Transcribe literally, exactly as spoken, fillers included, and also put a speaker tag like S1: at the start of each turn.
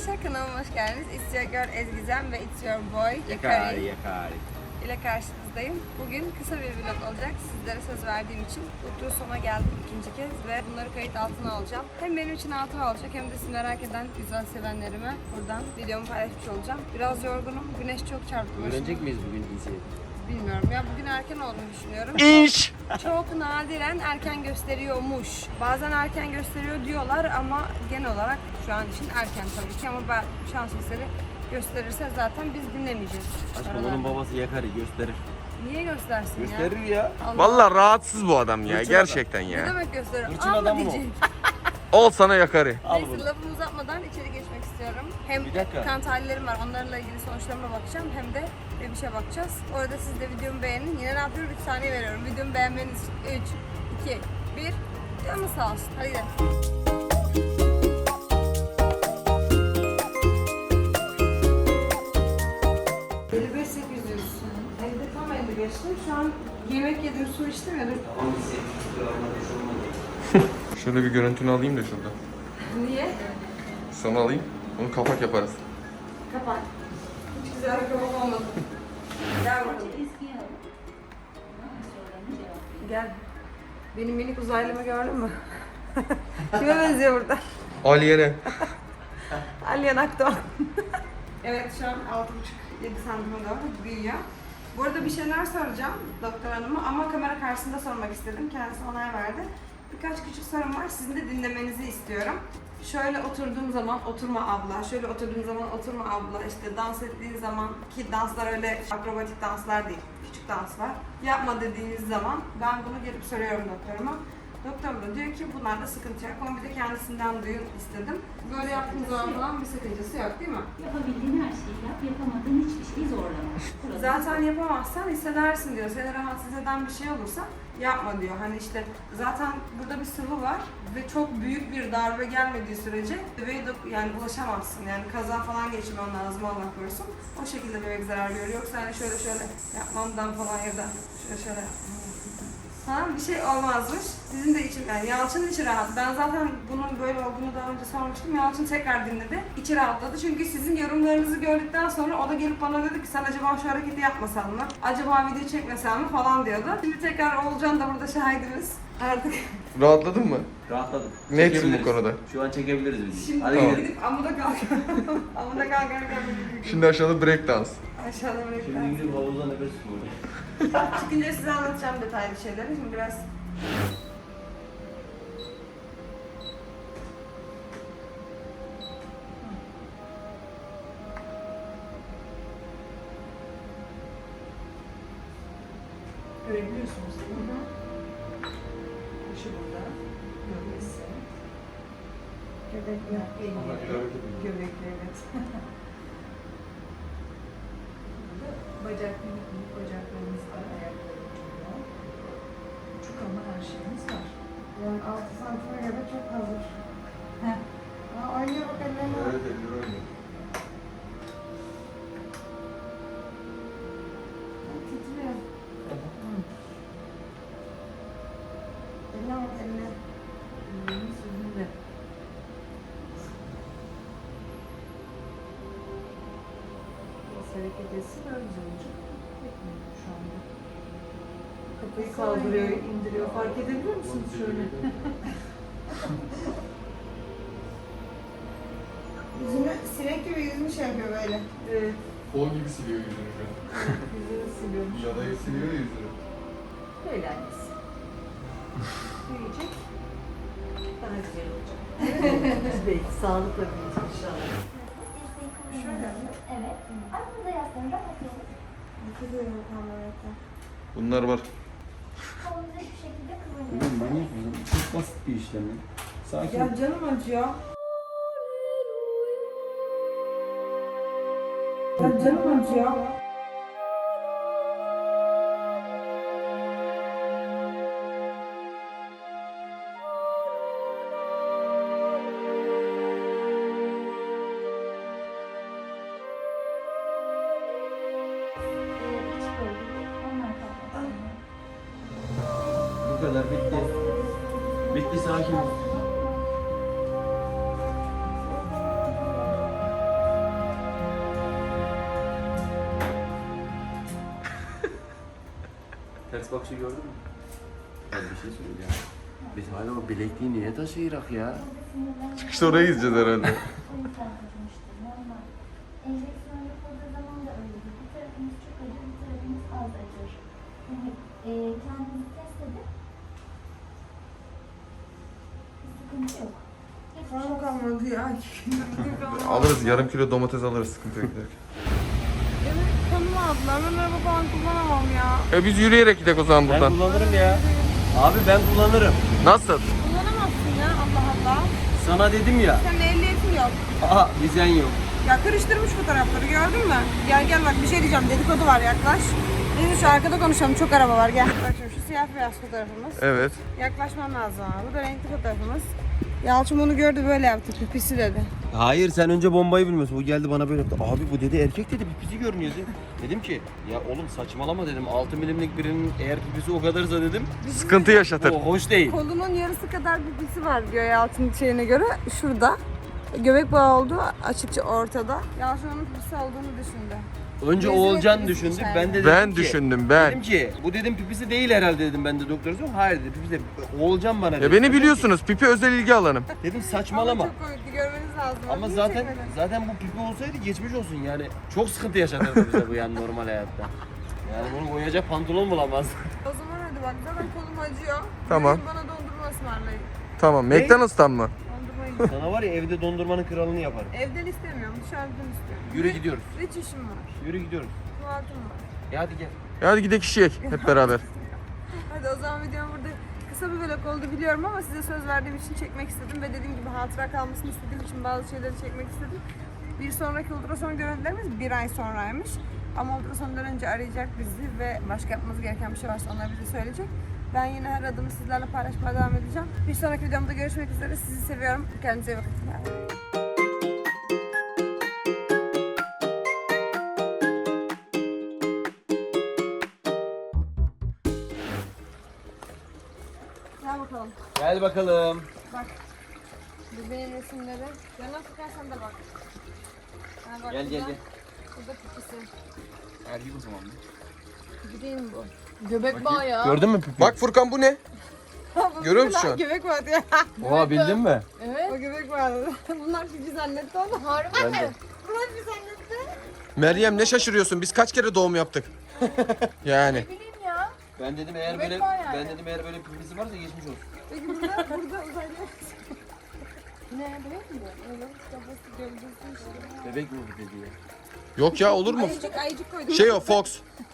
S1: arkadaşlar, kanalıma hoş geldiniz. It's your girl Ezgizem ve it's your boy
S2: Yakari Yakari
S1: ile karşınızdayım. Bugün kısa bir vlog olacak. Sizlere söz verdiğim için mutlu sona geldim ikinci kez ve bunları kayıt altına alacağım. Hem benim için hatıra olacak hem de sizi merak eden güzel sevenlerime buradan videomu paylaşmış olacağım. Biraz yorgunum. Güneş çok çarptı başıma.
S2: Öğrenecek miyiz bugün diziyi?
S1: Bilmiyorum ya, bugün erken olduğunu düşünüyorum.
S3: İş.
S1: Çok nadiren erken gösteriyormuş. Bazen erken gösteriyor diyorlar ama genel olarak şu an için erken tabii ki, ama ben şans eseri gösterirse zaten biz dinlemeyeceğiz.
S2: Aşkım onun babası Yakari gösterir.
S1: Niye göstersin ya?
S2: Gösterir ya.
S1: Allah.
S3: Vallahi rahatsız bu adam ya,
S2: Hırçın
S3: gerçekten
S1: Ne
S3: ya.
S1: demek gösterir?
S2: Hırçın
S1: Ama
S2: adam mı o?
S1: diyecek.
S3: Ol sana yakarı.
S2: Al
S1: Neyse,
S2: bunu.
S1: lafımı uzatmadan içeri geçmek istiyorum. Hem
S2: Bir dakika.
S1: kan tahlillerim var, onlarla ilgili sonuçlarıma bakacağım, hem de bir şey bakacağız. Orada siz de videomu beğenin. Yine ne yapıyorum? üç saniye veriyorum. Videomu beğenmeniz için üç, iki, bir. Canınız sağ olsun. Hadi gidelim. elli beş sekiz yüz. Evde tam elli beştim. Şu an yemek yedim, su içtim ya. Dur.
S3: Şöyle bir görüntünü alayım da şurada.
S1: Niye?
S3: Sana alayım. Onu kapak yaparız.
S1: Kapat. Hiç güzel bir kapak olmadı. Gel bakalım. Gel. Benim minik uzaylımı gördün mü? Kime benziyor burada?
S3: Aliye'ne.
S1: Alien Akdoğan. Evet, şu an altı buçuk yedi santime doğru büyüyor. Bu arada bir şeyler soracağım doktor hanıma ama kamera karşısında sormak istedim. Kendisi onay verdi. Birkaç küçük sorum var. Sizin de dinlemenizi istiyorum. Şöyle oturduğum zaman oturma abla, şöyle oturduğum zaman oturma abla, işte dans ettiğiniz zaman, ki danslar öyle akrobatik danslar değil, küçük danslar. Yapma dediğiniz zaman ben bunu gelip soruyorum doktoruma. Doktor da diyor ki bunlarda sıkıntı yok, ama bir de kendisinden duyun istedim. Böyle yaptığınız zaman falan bir sakıncası yok değil mi?
S4: Yapabildiğin her şeyi yap, yapamadığın hiçbir şeyi zorlama. Burası
S1: Zaten yapamazsan hissedersin diyor. Seni rahatsız eden bir şey olursa yapma diyor. Hani işte zaten burada bir sıvı var ve çok büyük bir darbe gelmediği sürece bebeğe de yani ulaşamazsın. Yani kaza falan geçirmen lazım, Allah korusun. O şekilde bebek zarar görüyor. Yoksa hani şöyle şöyle yapmamdan falan ya da şöyle şöyle ha, bir şey olmazmış. Sizin de için, yani Yalçın'ın içi rahat. Ben zaten bunun böyle olduğunu daha önce sormuştum. Yalçın tekrar dinledi. İçi rahatladı. Çünkü sizin yorumlarınızı gördükten sonra o da gelip bana dedi ki sen acaba şu hareketi yapmasan mı? Acaba video çekmesen mi falan diyordu. Şimdi tekrar Oğulcan da burada şahidimiz. Artık
S3: Rahatladın mı?
S2: Rahatladım.
S3: Netsin bu
S2: Çekebiliriz.
S3: konuda.
S2: Şu an çekebiliriz videoyu.
S1: şimdi
S2: Hadi
S3: Tamam.
S2: gidelim.
S1: gidip amuda kalk. amuda kalkarken
S3: Şimdi aşağıda break dans.
S1: aşağıda
S2: Şimdi
S1: bırakacağız.
S2: gidip havuzda nefes tutuyorum.
S1: Çıkınca size anlatacağım detaylı şeyleri. Şimdi biraz
S5: Görebiliyorsunuz değil mi? Başı burada. Gövdesi.
S1: göbekli.
S5: Elleri. Göbekli, evet. Burada bacak, minik minik bacaklarımız var. Ayaklarımız var. Çok ama her şeyimiz var.
S1: Yani altı santime göre çok hazır.
S5: Heh.
S1: Aa, oynuyor bak ellerine.
S3: Evet, elleri oynuyor.
S1: Titriyor. Eline bak, eline.
S5: Ellerimiz yüzünde. Biraz hareket etsin, daha güzel olacak. Etmiyor şu anda. Kafayı kaldırıyor, indiriyor. Fark edebiliyor musunuz şöyle?
S1: Yüzünü sinek gibi yüzünü şey yapıyor böyle.
S5: Evet.
S3: Kol gibi siliyor yüzünü şu an.
S5: Yüzünü siliyormuş.
S3: Yadayı siliyor yüzünü.
S5: Böyle annesi. Büyüyecek. Daha güzel olacak. Belki sağlıkla büyüyecek inşallah.
S1: Şöyle.
S4: Evet. Aklınıza yaslanın, rahat olun.
S1: Yıkılıyorum kamerada.
S3: Bunlar var.
S4: Kolunuzu hiçbir şekilde
S2: Bugün
S4: kıvırmayın.
S2: bunu yapalım. Çok basit bir işlem ya. Sakin.
S1: Ya canım acıyor. Ya canım acıyor.
S2: Bu kadar bitti. Bitti, sakin ol. Ters bakışı gördün mü? Ben bir şey söyleyeceğim. Biz hala o bilekliği niye taşıyırak ya?
S3: Çıkışta oraya gideceğiz herhalde.
S6: O yüzden acımıştır. Normal. Enjeksiyon yapıldığı zaman da öyledir. Bir tarafımız çok acır, bir tarafımız az acır. Yani e, kendinizi test edin. Bir sıkıntı yok. Hiçbir şey
S1: Param
S6: yok.
S1: kalmadı ya.
S3: Alırız, yarım kilo domates alırız sıkıntı yok.
S1: Benim kanımı aldılar. Ben araba falan kullanamam ya.
S3: E biz yürüyerek gidelim o zaman
S2: Ben
S3: buradan.
S2: kullanırım ya. Abi ben kullanırım.
S3: Nasıl?
S1: Kullanamazsın ya Allah Allah.
S2: Sana dedim ya.
S1: Senin ehliyetin yok.
S2: Aha vizen yok.
S1: Ya karıştırmış fotoğrafları gördün mü? Gel gel bak bir şey diyeceğim, dedikodu var, yaklaş. Biz şu arkada konuşalım, çok araba var, gel. Bak şimdi şu siyah beyaz fotoğrafımız.
S3: Evet.
S1: Yaklaşmam lazım ama. Bu da renkli fotoğrafımız. Yalçın bunu gördü, böyle yaptı, pipisi dedi.
S2: Hayır sen önce bombayı bilmiyorsun. Bu geldi bana böyle yaptı. Abi bu dedi erkek dedi pipisi görünüyor dedi. Dedim ki ya oğlum saçmalama dedim. altı milimlik birinin eğer pipisi o kadarsa dedim.
S3: Sıkıntı yaşatır.
S2: O hoş değil.
S1: Kolunun yarısı kadar pipisi var diyor Yalçın'ın şeyine göre. Şurada. Göbek bağı olduğu açıkça ortada. Yalçın onun pipisi olduğunu düşündü.
S2: Önce
S1: Rezil
S2: Oğulcan
S1: ettiniz
S2: düşündü.
S1: içeride.
S2: Ben de dedim
S3: Ben
S2: ki,
S3: düşündüm ben.
S2: Dedim ki bu dedim pipisi değil herhalde dedim ben de doktora sordum. Hayır dedi pipisi de. Oğulcan bana dedi.
S3: Ya beni biliyorsunuz, pipi özel ilgi alanım.
S2: Dedim
S1: Ama
S2: saçmalama.
S1: çok komikti, görmeniz lazım.
S2: Ama
S1: Niye
S2: zaten
S1: çekmedin?
S2: zaten bu pipi olsaydı geçmiş olsun yani. Çok sıkıntı yaşatırdı bize bu yani normal hayatta. Yani bunu koyacak pantolon bulamaz.
S1: O zaman hadi bak, zaten kolum acıyor.
S3: Tamam.
S1: Bugün bana dondurma ısmarlayın.
S3: Tamam,
S2: Ne?
S3: McDonald's'tan mı?
S1: Dondurma yiyeyim.
S2: Sana var ya evde dondurmanın kralını yaparım.
S1: Evden istemiyorum, dışarıdan istiyorum.
S2: Yürü gidiyoruz.
S1: Hiç işim var,
S2: Yürü gidiyoruz.
S1: tuvaletim var.
S2: E hadi gel.
S3: Ya hadi gidelim kişiye hep beraber.
S1: Hadi o zaman videom burada kısa bir vlog oldu biliyorum ama size söz verdiğim için çekmek istedim ve dediğim gibi hatıra kalmasını istediğim için bazı şeyleri çekmek istedim. Bir sonraki ultrason görüntülerimiz bir ay sonraymış. Ama ultrasondan önce arayacak bizi ve başka yapmamız gereken bir şey varsa onlar bize söyleyecek. Ben yine her adımı sizlerle paylaşmaya devam edeceğim. Bir sonraki videomda görüşmek üzere. Sizi seviyorum. Kendinize iyi bakın. Gel bakalım.
S2: Gel bakalım.
S1: Bak. Bu benim resimleri. Yana tutarsan da bak. Ha, bak
S2: Gel gel
S1: burada-
S2: gel.
S1: Burada pipisi.
S2: Erkek o zaman.
S1: Pipi değil mi bu? Göbek bağı ya.
S2: Gördün mü pipi?
S3: Bak Furkan bu ne?
S1: Bu
S3: görüyor
S1: bir
S3: musun şu
S1: lan
S3: an?
S1: Göbek bağı diyor.
S2: Oha bildin mi?
S1: Evet. O göbek bağı. Bunlar pipi zannetti onu. Harbi
S2: Ben de.
S1: Bunlar pipi zannetti.
S3: Meryem ne şaşırıyorsun? Biz kaç kere doğum yaptık? Yani.
S1: Bileyim ya.
S2: Ben dedim eğer
S1: Göbek
S2: böyle
S1: var yani.
S2: ben dedim eğer böyle pipisi varsa geçmiş olsun.
S1: Peki burada, burada uzaylı. Ne? Bebek mi bu? Evet. Kafası gövdesi işte.
S2: Bebek mi bu dedi ya?
S3: Yok ya olur mu?
S1: Ayıcık ayıcık koydum.
S3: Şey o Fox.